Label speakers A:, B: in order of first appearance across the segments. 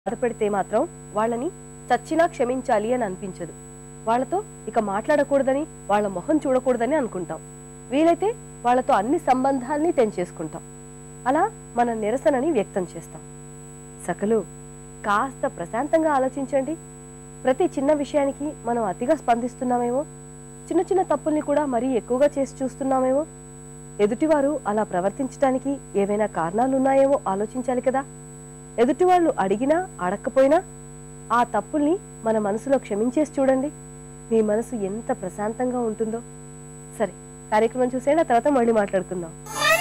A: బాధపడితే మాత్రం వాళ్ళని చచ్చినా క్షమించాలి అని అనిపించదు. వాళ్ళతో ఇక మాట్లాడకూడదని, వాళ్ళ మొహం చూడకూడదని అనుకుంటాం. వీలైతే వాళ్ళతో అన్ని సంబంధాల్ని తెంచేసుకుంటాం. అలా మన నిరసనని వ్యక్తం చేస్తాం. సకలు కాస్త ప్రశాంతంగా ఆలోచించండి. ప్రతి చిన్న విషయానికి మనం అతిగా స్పందిస్తున్నామేమో, చిన్న చిన్న తప్పుల్ని కూడా మరీ ఎక్కువగా చేసి చూస్తున్నామేమో. ఎదుటివారు అలా ప్రవర్తించడానికి ఏవైనా కారణాలున్నాయేమో ఆలోచించాలి కదా. ఎదుటివాళ్ళు అడిగినా అడక్కపోయినా ఆ తప్పుల్ని మన మనసులో క్షమించేసి చూడండి. మీ మనసు ఎంత ప్రశాంతంగా ఉంటుందో. సరే, కార్యక్రమం చూసేయండి, ఆ తర్వాత మళ్ళీ మాట్లాడుకుందాం.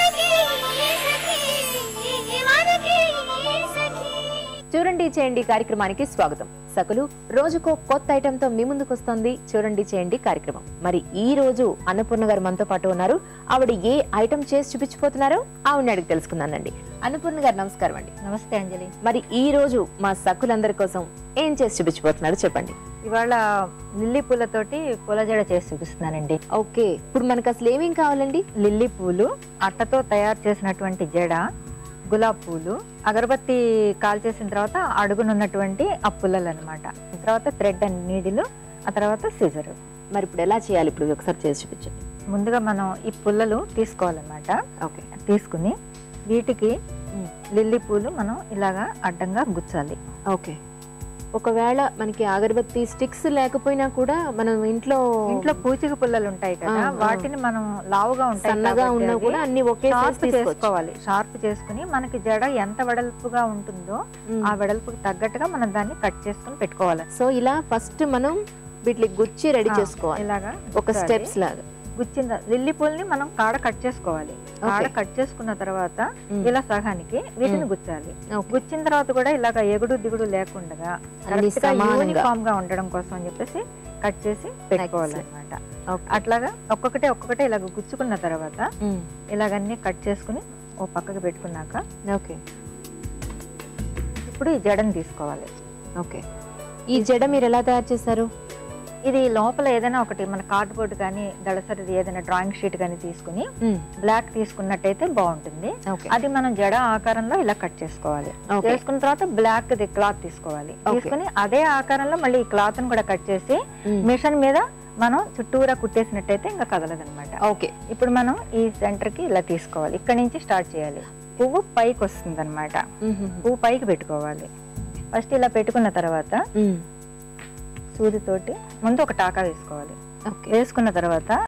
B: చూడండి చేయండి కార్యక్రమానికి స్వాగతం. సకలు రోజుకో కొత్త ఐటమ్ తో మీ ముందుకు వస్తుంది చూడండి చేయండి కార్యక్రమం. మరి ఈ రోజు అన్నపూర్ణ గారు మనతో పాటు ఉన్నారు. ఆవిడ ఏ ఐటమ్ చేసి చూపించిపోతున్నారో ఆవిడని అడిగి తెలుసుకుందానండి. అన్నపూర్ణ గారు నమస్కారం అండి.
C: నమస్తే అంజలి.
B: మరి ఈ రోజు మా సకులందరి కోసం ఏం చేసి చూపించిపోతున్నారు చెప్పండి.
C: ఇవాళ లిల్లీ పూలతోటి పూల జడ చేసి చూపిస్తున్నానండి.
B: ఓకే, ఇప్పుడు మనకు అసలు ఏమేం కావాలండి?
C: లిల్లీ పూలు, అట్టతో తయారు చేసినటువంటి జడ, గులాబ్ పూలు, అగరబత్తి కాల్ చేసిన తర్వాత అడుగునున్నటువంటి ఆ పుల్లలు అనమాట, తర్వాత థ్రెడ్ అండ్ నీడిలు, ఆ తర్వాత సిజర్.
B: మరి ఇప్పుడు ఎలా చేయాలి? ఇప్పుడు ఒకసారి చేసి చూపించండి.
C: ముందుగా మనం ఈ పుల్లలు తీసుకోవాలన్నమాట.
B: ఓకే,
C: తీసుకుని వీటికి లిల్లీ పూలు మనం ఇలాగా అడ్డంగా గుచ్చాలి.
B: ఓకే, ఒకవేళ మనకి అగరబత్తి స్టిక్స్ లేకపోయినా కూడా మనం ఇంట్లో
C: పూచిక పుల్లలు ఉంటాయి కదా, వాటిని మనం లావుగా ఉంటాయి
B: సన్నగా ఉన్నా కూడా అన్ని ఒకే
C: చేసుకోవాలి. షార్ప్ చేసుకుని మనకి జడ ఎంత వెడల్పుగా ఉంటుందో ఆ వెడల్పుకి తగ్గట్టుగా మనం దాన్ని కట్ చేసుకుని పెట్టుకోవాలి.
B: సో ఇలా ఫస్ట్ మనం వీటికి గుచ్చి రెడీ చేసుకోవాలి.
C: ఇలాగా
B: ఒక స్టెప్స్ లాగా
C: గుచ్చిన లిల్లీ పూల్ని మనం కాడ కట్ చేసుకోవాలి. కాడ కట్ చేసుకున్న తర్వాత ఇలా సగానికి వీటిని గుచ్చాలి. గుచ్చిన తర్వాత కూడా ఇలాగ ఎగుడు దిగుడు లేకుండా యూనిఫామ్ గా ఉండడం కోసం అని చెప్పేసి కట్ చేసి పెట్టుకోవాలి అనమాట. అట్లాగా ఒక్కొక్కటే ఇలాగ గుచ్చుకున్న తర్వాత ఇలాగన్నీ కట్ చేసుకుని ఓ పక్కకి పెట్టుకున్నాక
B: ఓకే,
C: ఇప్పుడు ఈ జడని తీసుకోవాలి.
B: ఓకే, ఈ జడ మీరు ఎలా తయారు చేశారు?
C: ఇది లోపల ఏదైనా ఒకటి మన కార్డ్ బోర్డ్ కానీ దళసరిది ఏదైనా డ్రాయింగ్ షీట్ కానీ తీసుకుని బ్లాక్ తీసుకున్నట్టయితే బాగుంటుంది. అది మనం జడ ఆకారంలో ఇలా కట్ చేసుకోవాలి. చేసుకున్న తర్వాత బ్లాక్ ది క్లాత్ తీసుకోవాలి. తీసుకుని అదే ఆకారంలో మళ్ళీ ఈ క్లాత్ ని కూడా కట్ చేసి మిషన్ మీద మనం చుట్టూరా కుట్టేసినట్టయితే ఇంకా కదలదనమాట.
B: ఓకే,
C: ఇప్పుడు మనం ఈ సెంటర్ కి ఇలా తీసుకోవాలి. ఇక్కడ నుంచి స్టార్ట్ చేయాలి. పువ్వు పైకి వస్తుంది అనమాట. పువ్వు పైకి పెట్టుకోవాలి. ఫస్ట్ ఇలా పెట్టుకున్న తర్వాత సూదితోటి ముందు ఒక టాకా వేసుకోవాలి. వేసుకున్న తర్వాత